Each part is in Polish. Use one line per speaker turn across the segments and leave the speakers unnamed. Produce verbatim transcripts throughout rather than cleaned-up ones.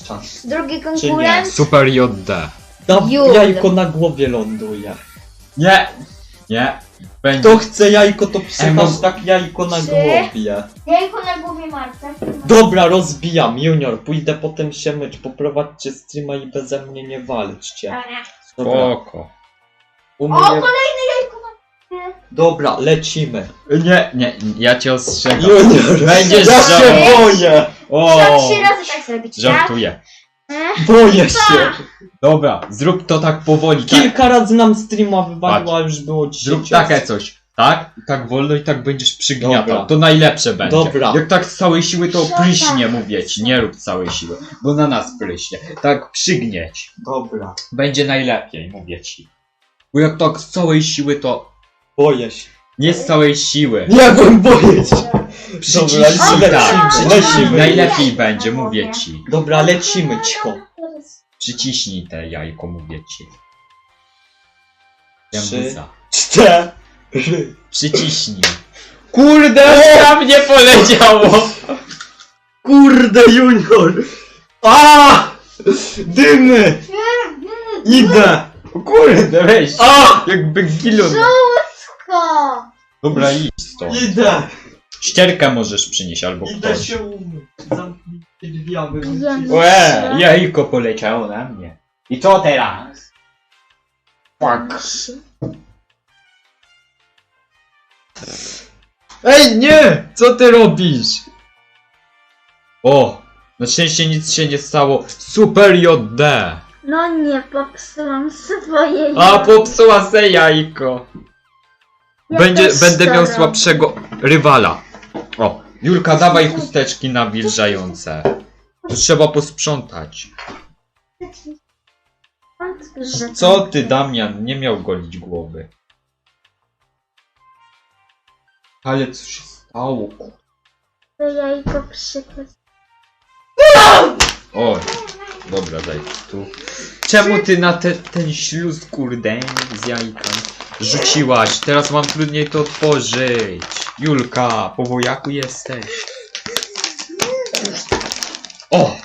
czas.
Drugi
nie?
konkurent.
Super J D.
Da,
Jul.
jajko na głowie ląduje.
Nie! Nie! Będzie.
Kto chce jajko, to przy
Emo-
hashtag jajko na
Trzy.
głowie.
Jajko na głowie Marta.
Dobra, rozbijam, Junior, pójdę potem się myć, poprowadźcie streama i beze mnie nie walczcie. Dobra,
Spoko.
u
O,
mnie...
kolejne jajko na głowie.
Dobra, lecimy.
Nie, nie, ja cię ostrzegam.
Junior,
Będziesz
ja
żał-
się boję!
O!
Trzeba trzy razy tak zrobić, tak?
Żartuję.
Boję się!
Dobra, zrób to tak powoli. Tak.
Kilka razy nam streama wywaliło, a już było dziesięć
Zrób takie coś. Tak? I tak wolno i tak będziesz przygniatał.
Dobra.
To najlepsze będzie.
Dobra.
Jak tak z całej siły to
Dobra.
pryśnie, mówię ci. Nie rób całej siły, bo na nas pryśnie. Tak przygnieć.
Dobra,
Będzie najlepiej, mówię ci. Bo jak tak z całej siły to...
boję się.
Nie z całej siły.
Nie wiem, boję się.
Przyciśnij
lecimy,
tak.
lecimy,
Przyciśnij.
lecimy.
Najlepiej będzie, mówię ci.
Dobra, lecimy, cicho.
Przyciśnij te jajko, mówię ci.
Trzy.
Jębuza.
Cztery.
Przyciśnij. Kurde, na mnie poleciało!
Kurde, Junior! A! Dymy! Idę!
O kurde, weź!
A!
Jakby gilon.
Żółtko.
Dobra, idź stąd.
Idę!
Ścierkę możesz przynieść albo
Idę
ktoś.
się umyć. Zamknijcie drzwi, aby
Idziemy.
Łe, jajko poleciało na mnie. I co teraz? Fuck. Ej, nie! Co ty robisz? O! Na szczęście nic się nie stało. Super J D!
No nie, popsułam swoje
A,
jajko.
popsuła se jajko.
Ja
Będzie,
też
będę
to
miał
robię.
słabszego rywala. O, Julka, dawaj chusteczki nawilżające. To trzeba posprzątać. Co ty, Damian? Nie miał golić głowy. Ale co się stało?
To jajko przykład.
O, dobra, daj tu. Czemu ty na te, ten śluz, kurde, z jajka rzuciłaś? Teraz mam trudniej to otworzyć. Julka, po wojaku jesteś. O!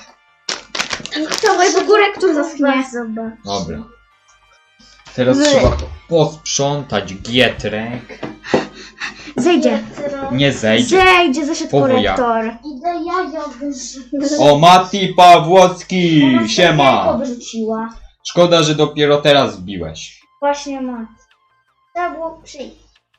Całego górę, kto zaschnie. Zobacz.
Dobra. Teraz
Wy.
trzeba posprzątać gietrek.
Zejdzie.
Nie zejdzie.
Zejdzie, zeszedł
Po
korektor.
Idę jajo wyrzucić.
O, Mati Pawłowski! Siema!
wyrzuciła.
Szkoda, że dopiero teraz wbiłeś.
Właśnie ma. Trzeba było przyjść.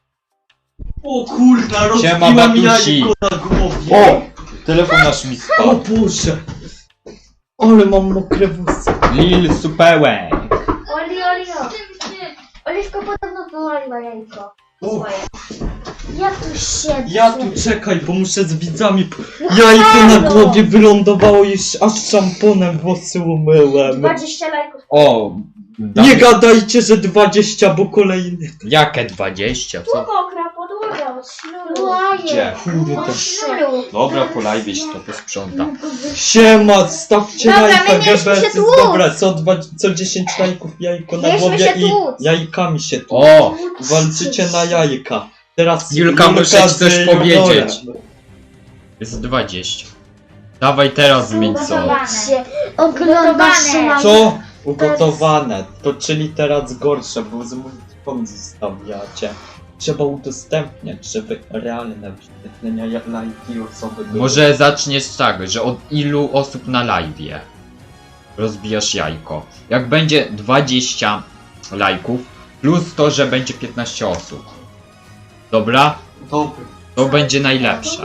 O kurna,
Siema,
rozbiłam
Matusi.
jajko na głowie.
O! Telefon nasz mi
O
spadł.
Boże! Ale mam mokre włosy.
Lil Supełek.
Oli, oli, oli. Oliwko podobno wyłaliła jajko.
O,
Swoje. Ja tu siedzę.
ja tu czekaj, bo muszę z widzami. Jajko na głowie wylądowało i aż szamponem włosy umyłem.
dwadzieścia lajków.
O! Dam...
Nie gadajcie, że dwadzieścia, bo kolejny.
Jakie dwadzieścia? Co?
Mokra podłoga od sznuru.
Gdzie?
Kurde.
Od sznuru.
Dobra, polajwieś to posprząta.
Siema, stawcie
Dobra,
lajka,
my mieliśmy się
G B S.
tłuc.
Dobra, co, dwa, co dziesięć lajków jajko na
Mieliśmy
głowie
się
i
tłuc.
jajkami się tu.
O!
Walczycie na jajka. Teraz
Julka, muszę ci
z
coś
Juniorem.
powiedzieć. Jest dwadzieścia. Dawaj teraz zmień co.
Ugotowane.
Oglądasz
Ugotowane.
Co? Ugotowane. To czyli teraz gorsze, bo z multikom zostawiacie. Trzeba udostępniać, żeby realne wyświetlenia ja- lajki osoby były.
Może zaczniesz tak, że od ilu osób na live'ie rozbijasz jajko. Jak będzie dwadzieścia lajków, plus to, że będzie piętnaście osób. Dobra?
Dobry.
To będzie najlepsze.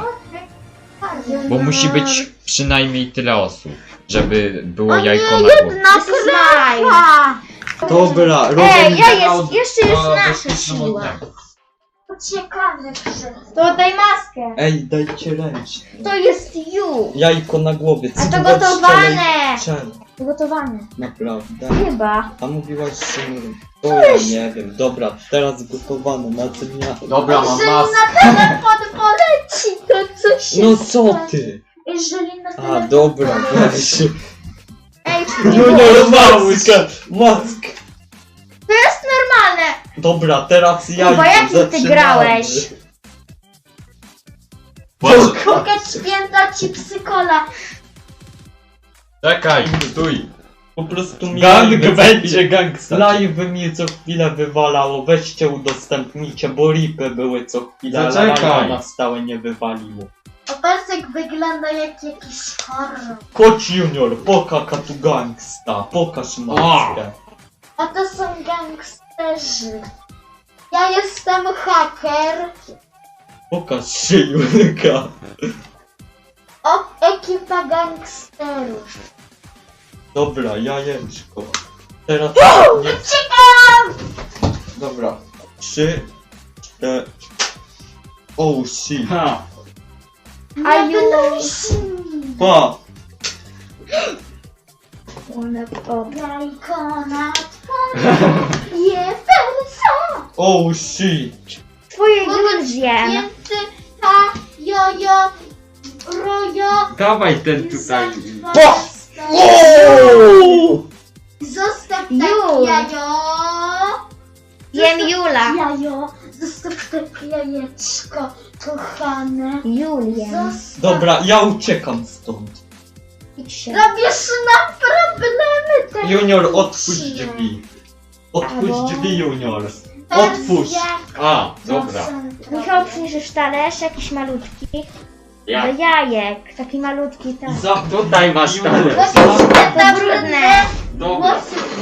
Bo musi być przynajmniej tyle osób, żeby było jajko na głowie.
Na krewa.
Dobra,
Ej,
rozumiem.
ja jest, jeszcze jest nasza siła.
Ciekawy przed.
To daj maskę.
Ej, dajcie ręcznie.
To jest ju.
Jajko na głowie.
A to
cydłać
gotowane.
Czemu?
Gotowane.
Naprawdę.
Chyba.
A mówiłaś, że nie wiem. To ja nie wiem. Dobra, teraz gotowane na dnia.
Dobra, mam
Jeżeli
maskę.
na telefon poleci, to co się
No co ty?
Jeżeli na
A,
telefon...
dobra, weź.
Ej,
Junior, maskę! Maskę!
to jest normalne.
Dobra, teraz ja.
Kuba, jakim ty grałeś? Mogę święta ci psykola.
Czekaj, stój.
Po prostu mi
Gang
live-
będzie gangsta.
Live mi co chwilę wywalało, weźcie udostępnijcie, bo ripy były co chwilę, ale
Zaczekaj.
live'a na stałe nie wywaliło.
Opasek wygląda jak jakiś horror.
Koć Junior, pokaż tu gangsta, pokaż maskę.
A to są gangsterzy. Ja jestem haker.
Pokaż się Julka.
O, ekipa gangsterów.
Dobra, jajeczko. Teraz nie... Dobra, trzy, cztery... Oh shit.
Ha.
A
Nie
już.
wynosi mi.
Pa!
One o.
Jajko na twoje jefersa.
Oh shit.
Twoje już wiem.
Więcy ha, jojo, rojo.
Dawaj ten tutaj.
Zostaw tak
Jul.
jajo.
Wiem
Zostaw
Jula.
Jajo, zostaw tak jajeczko, kochane.
Julię.
Zostaw.
Dobra, ja uciekam stąd.
Idź.
Robisz nam problemy teraz.
Junior, otwórz drzwi. Otwórz
Albo-
drzwi, Junior. Otwórz.
A, dobra.
Michał, przyniesiesz talerz jakiś malutki.
Ja.
Do jajek. Taki malutki
I
tak.
za...
Tutaj masz
Junior,
talerz.
za-
To brudne.
Dobra.
Włosy